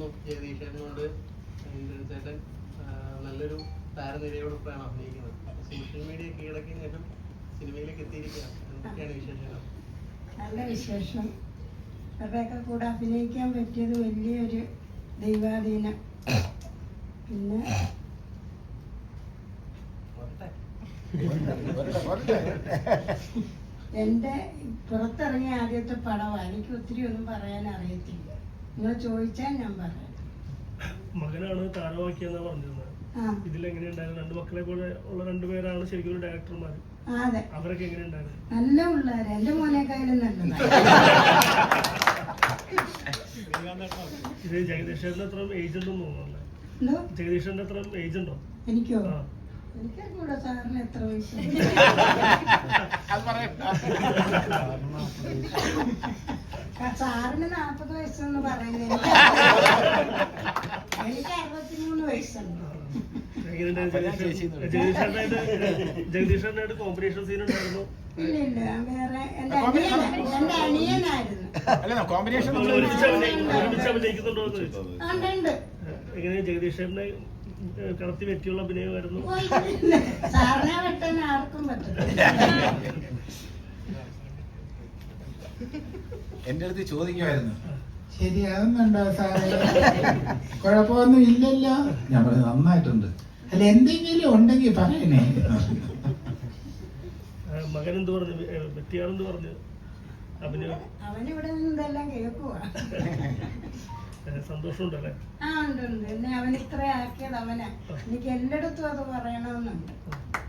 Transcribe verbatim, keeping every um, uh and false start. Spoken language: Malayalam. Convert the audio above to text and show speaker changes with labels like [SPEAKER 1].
[SPEAKER 1] തോന്നുന്നു ജഗദീശൻ കൊണ്ട് ചേട്ടൻ നല്ലൊരു താരനിരയോടൊപ്പമാണ് അഭിനയിക്കുന്നത്. സോഷ്യൽ മീഡിയ കീഴടക്കിയ ശേഷം സിനിമയിലേക്ക് എത്തിയിരിക്കുകയാണ്. എന്തൊക്കെയാണ് വിശേഷങ്ങൾ?
[SPEAKER 2] നല്ല വിശേഷം. അവരൊക്കെ കൂടെ അഭിനയിക്കാൻ പറ്റിയത് വലിയൊരു ദൈവാധീനം. പിന്നെ എൻ്റെ പുറത്തിറങ്ങിയ ആദ്യത്തെ പടമാണ്. എനിക്ക് ഒത്തിരി ഒന്നും പറയാൻ അറിയത്തില്ല. നിങ്ങൾ ചോദിച്ചാൽ ഞാൻ പറയാം.
[SPEAKER 3] മകനാണ് താരമാക്കിയെന്നാ പറഞ്ഞിരുന്നത്. ഇതിലെങ്ങനെയുണ്ടായിരുന്നു? രണ്ട് മക്കളെ പോലെ ഉള്ള രണ്ടുപേരാണ് ശരിക്കും ഡയറക്ടർമാർ.
[SPEAKER 2] അതെ,
[SPEAKER 3] അവരൊക്കെ എങ്ങനെയുണ്ടായിരുന്നു?
[SPEAKER 2] നല്ല പിള്ളേര്. എന്റെ മോനേക്കായാലും നല്ലതാണ്.
[SPEAKER 3] ഇത് ജഗദീഷന്റെ അത്ര ഏജ് ഉണ്ടെന്ന് തോന്നുന്നു.
[SPEAKER 2] എന്തോ
[SPEAKER 3] ജഗദീഷന്റെ അത്ര ഏജ് ഉണ്ടോ?
[SPEAKER 2] എനിക്കോ? എനിക്കൂടെ സാറിന് എത്ര വയസ്സ്? സാറിന് നാപ്പത് വയസ്സെന്ന് പറയുന്നത്. എനിക്ക് അറുപത്തിമൂന്ന് വയസ്സുണ്ട്.
[SPEAKER 3] ജഗദീഷനായിട്ട് കോമ്പറ്റീഷൻ സീൻ ഉണ്ടായിരുന്നു?
[SPEAKER 2] ഇല്ല ഇല്ല, വേറെ എന്റെ അനിയനായിരുന്നു. എന്റെ അനിയനായിരുന്നു.
[SPEAKER 3] എങ്ങനെ ജഗദീഷനെ കടത്തി വെറ്റിയുള്ള അഭിനയമായിരുന്നു?
[SPEAKER 2] സാറിനെ വെട്ടാൻ ആർക്കും പറ്റില്ല.
[SPEAKER 4] എന്റെ അടുത്ത് ചോദിക്കുമായിരുന്നു, ശരിയാകുന്നുണ്ടോ സാറേ, കുഴപ്പമൊന്നും ഇല്ലല്ലോ. ഞാൻ പറഞ്ഞു നന്നായിട്ടുണ്ട്. അല്ല എന്തെങ്കിലും ഉണ്ടെങ്കിൽ പറയണേ.
[SPEAKER 3] മകൻ എന്ത് പറഞ്ഞു? വെറ്റിയാണെന്ന് പറഞ്ഞു അഭിനയം.
[SPEAKER 2] അവനിവിടെ നിന്നെല്ലാം കേൾക്കുവാ.
[SPEAKER 3] സന്തോഷമുണ്ടല്ലേ?
[SPEAKER 2] ആ ഉണ്ട് ഉണ്ട്. എന്നെ അവൻ ഇത്ര ആക്കിയത് അവനാ. എനിക്ക് എല്ലായിടത്തും അത് പറയണമെന്നുണ്ട്.